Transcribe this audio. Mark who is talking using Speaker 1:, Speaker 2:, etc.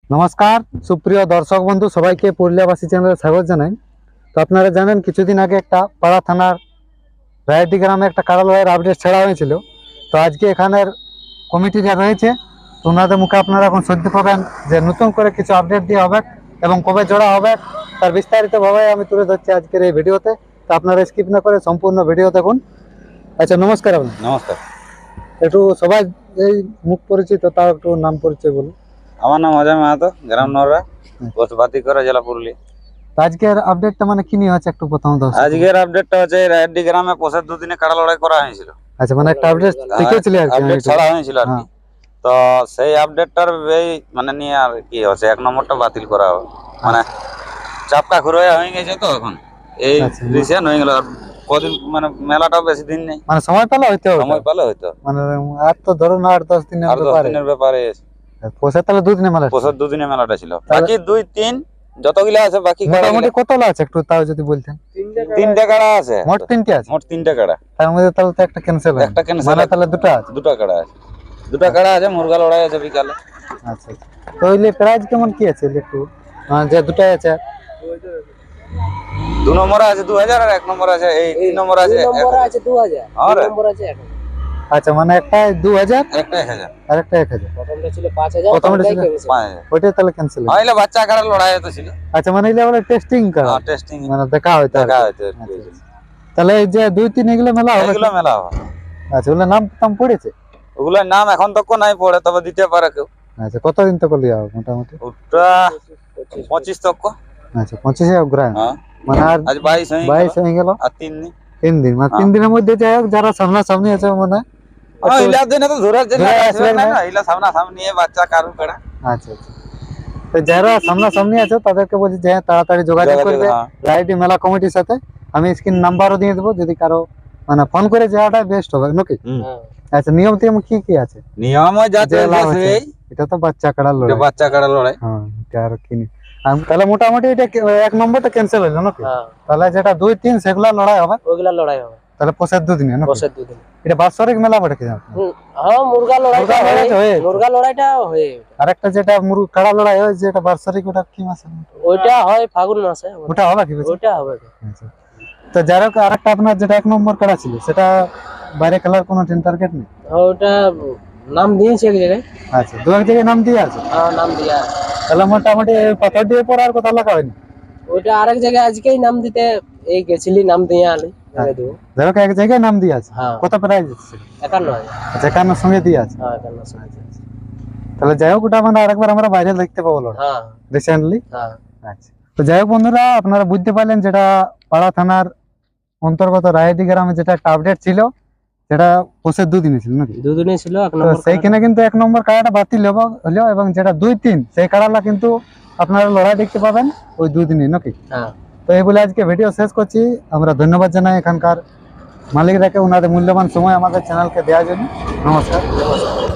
Speaker 1: নমস্কার সুপ্রিয় দর্শক বন্ধু, সবাইকে পুরুলিয়াবাসী চ্যানেলে স্বাগত জানাই। তো আপনারা জানেন কিছুদিন আগে একটা পাড়া থানার রায়ডি গ্রামে একটা কাড়া লড়াইয়ের আপডেট ছাড়া হয়েছিল। তো আজকে এখানের কমিটি যা রয়েছে তো ওনাদের মুখে আপনারা এখন শুনতে পাবেন যে নতুন করে কিছু আপডেট দিয়ে হবে এবং কবে জোড়া হবে তার বিস্তারিতভাবে আমি তুলে ধরছি আজকের এই ভিডিওতে। তো আপনারা স্কিপ না করে সম্পূর্ণ ভিডিও দেখুন। আচ্ছা, নমস্কার। আপনার
Speaker 2: নমস্কার।
Speaker 1: একটু সবাই এই মুখ পরিচিত, তার একটু নাম পরিচয় বলুন।
Speaker 2: আমার নাম অজয় মাহাতো, গ্রাম নররা, পোস্ট বাতিকরা, জেলা পুরুলিয়া।
Speaker 1: আজকের আপডেটটা মানে কি নিয়ে হচ্ছে একটু প্রথম দর্শক।
Speaker 2: আজকের আপডেটটা হচ্ছে রায়ডি গ্রামে পোষের দুদিনে কাড়া লড়াই করা হয়েছিল।
Speaker 1: আচ্ছা, মানে একটা আপডেট দেখেছিল আর কি,
Speaker 2: আপডেট ছাড়া হয়েছিল আর কি। তো সেই আপডেটটার মানে নিয়ে আর কি হচ্ছে, এক নম্বরটা বাতিল করা হবে। মানে চাপকা খুঁড়ে হয়ে গেছে তো এখন এই রিসেন্ট হয়ে গেল। কদিন মানে মেলাটাও বেশি দিন নেই,
Speaker 1: মানে সময় পেলে হইতো,
Speaker 2: সময় পেলে হয়তো
Speaker 1: মানে আর তো ধরুন 8-10 দিনের
Speaker 2: ব্যাপারে।
Speaker 1: পোষে তাহলে দুদিনে মেলা,
Speaker 2: পোষের দুদিনে মেলাটা ছিল। বাকি 2-3 যতগুলা আছে বাকি
Speaker 1: মোটামুটি কতলা আছে একটু তাও যদি বলতেন।
Speaker 2: 3টে কাড়া আছে,
Speaker 1: মোট 3টে আছে।
Speaker 2: মোট 3টে কাড়া।
Speaker 1: তার মধ্যে তাহলে তো একটা ক্যান্সেল, মানে তাহলে দুটো আছে।
Speaker 2: দুটো কাড়া আছে, দুটো কাড়া আছে। মুরগা লড়াই আছে বিকালে।
Speaker 1: আচ্ছা, তো ওইলে প্রাইস কেমন কি আছে একটু, যে দুটাই আছে?
Speaker 2: 2 নম্বরে আছে 2000 আর 1 নম্বর আছে, এই 3 নম্বর আছে
Speaker 3: 2000, 2 নম্বর আছে 1000।
Speaker 1: আচ্ছা, মানে একটা 2000
Speaker 2: একটা 1000
Speaker 1: আর একটা 1000।
Speaker 3: প্রথমটা ছিল 5000,
Speaker 1: প্রথমটা ছিল
Speaker 2: 5000।
Speaker 1: ওইটা তাহলে ক্যান্সেল হলো।
Speaker 2: হইলো বাচ্চা কাড়া লড়াই হতো ছিল।
Speaker 1: আচ্ছা, মানে এগুলো বলে টেস্টিং করা,
Speaker 2: হ্যাঁ টেস্টিং,
Speaker 1: মানে দেখা হইতো। তাহলে এই যে 2-3 এগুলো মেলা হবে,
Speaker 2: এগুলো মেলা হবে।
Speaker 1: আচ্ছা, ওগুলো নাম পড়েছে?
Speaker 2: ওগুলোর নাম এখন তো নাই পড়ে, তবে দিতে পারে কেউ।
Speaker 1: আচ্ছা, কতদিন তো করলি হবে মোটামুটি?
Speaker 2: ওটা 25 তক।
Speaker 1: আচ্ছা, 25 অগ্রায়ণ,
Speaker 2: হ্যাঁ
Speaker 1: মানে আর
Speaker 2: 22
Speaker 1: হয়ে গেল।
Speaker 2: আর 3 দিন।
Speaker 1: 3 দিন, মানে 3 দিনের মধ্যে যাই হোক যারা সামনাসামনি আছে মানে
Speaker 2: ইলা দিনে তো ধরার জন্য আসবে না, ইলা সামনাসামনি বাচ্চা কারু কাড়া।
Speaker 1: আচ্ছা আচ্ছা, তো যারা সামনাসামনি আছে তাদেরকে বলছি যে তাড়াতাড়ি যোগাযোগ করবে রায়ডি মেলা কমিটির সাথে। আমি স্ক্রিন নাম্বারও দিয়ে দেবো, যদি কারো মানে ফোন করে যাওয়াটা বেস্ট হবে নাকি? আচ্ছা, নিয়ম টিয়ম কি কি আছে?
Speaker 2: নিয়ম যাতে
Speaker 1: এটা তো বাচ্চা কাড়া লড়াই,
Speaker 2: এটা বাচ্চা কাড়া লড়াই।
Speaker 1: হ্যাঁ, এটা আর কি তাহলে মোটামুটি এটা 1 নম্বরটা ক্যান্সেল হলো নাকি? তাহলে যেটা 2-3 সেগুলা লড়াই হবে,
Speaker 3: ওইগুলা লড়াই হবে।
Speaker 1: তাহলে পোষের দুদিনে নাকি?
Speaker 3: পোষের দুদিন।
Speaker 1: এটা বাৎসরিক মেলা বটে কি?
Speaker 3: হ্যাঁ, মুরগা লড়াইটা হয়।
Speaker 1: আরেকটা যেটা কাড়া লড়াই হয় যেটা বাৎসরিক, ওটা কি মাসে?
Speaker 3: ওইটা হয় ফাগুন মাসে।
Speaker 1: ওটা হবে কি?
Speaker 3: ওইটা হবে।
Speaker 1: আচ্ছা, তো যারা আরেকটা আপনার যেটা 1 নম্বর কাড়া ছিল সেটা বাইরে খেলার কোনো টার্গেট নেই?
Speaker 3: ওটা নাম দিয়েছে এক জায়গায়।
Speaker 1: আচ্ছা, 2 জায়গায় নাম দিয়ে আছে?
Speaker 3: হ্যাঁ, নাম দিয়া আছে।
Speaker 1: তাহলে মোটামুটি পাথর দিয়ে পর আর কথা লাগা হয়নি?
Speaker 3: ওইটা আরেক জায়গায় আজকেই নাম দিতে এই গেছিলি, নাম দিয়ে আলি।
Speaker 1: যারা এক জায়গায় নাম দিয়ে আছে। কত প্রাইস আছে?
Speaker 3: 51,000।
Speaker 1: আচ্ছা, 51 সঙ্গে দিয়ে আছে।
Speaker 3: হ্যাঁ, 51,000।
Speaker 1: তাহলে যাই হোক, ওটা মানে আরেকবার আমরা বাইরে দেখতে পাবো রিসেন্টলি। আচ্ছা, তো যাই হোক বন্ধুরা, আপনারা বুঝতে পারলেন যেটা পাড়া থানার অন্তর্গত রায়ডি গ্রামে যেটা একটা আপডেট ছিল, সেটা পোষের 2 দিনে ছিল নাকি?
Speaker 3: 2 দিনে ছিল।
Speaker 1: সেইখানে কিন্তু 1 নম্বর কাড়াটা বাতিল হলো এবং যেটা 2-3 সেই কাড়াটা কিন্তু আপনারা লড়াই দেখতে পাবেন ওই 2 দিনে নাকি? তো এই বলে আজকে ভিডিও শেষ করছি। আমরা ধন্যবাদ জানাই এখানকার মালিকরাকে ওনাদের মূল্যবান সময় আমাদের চ্যানেলকে দেওয়ার জন্য। নমস্কার।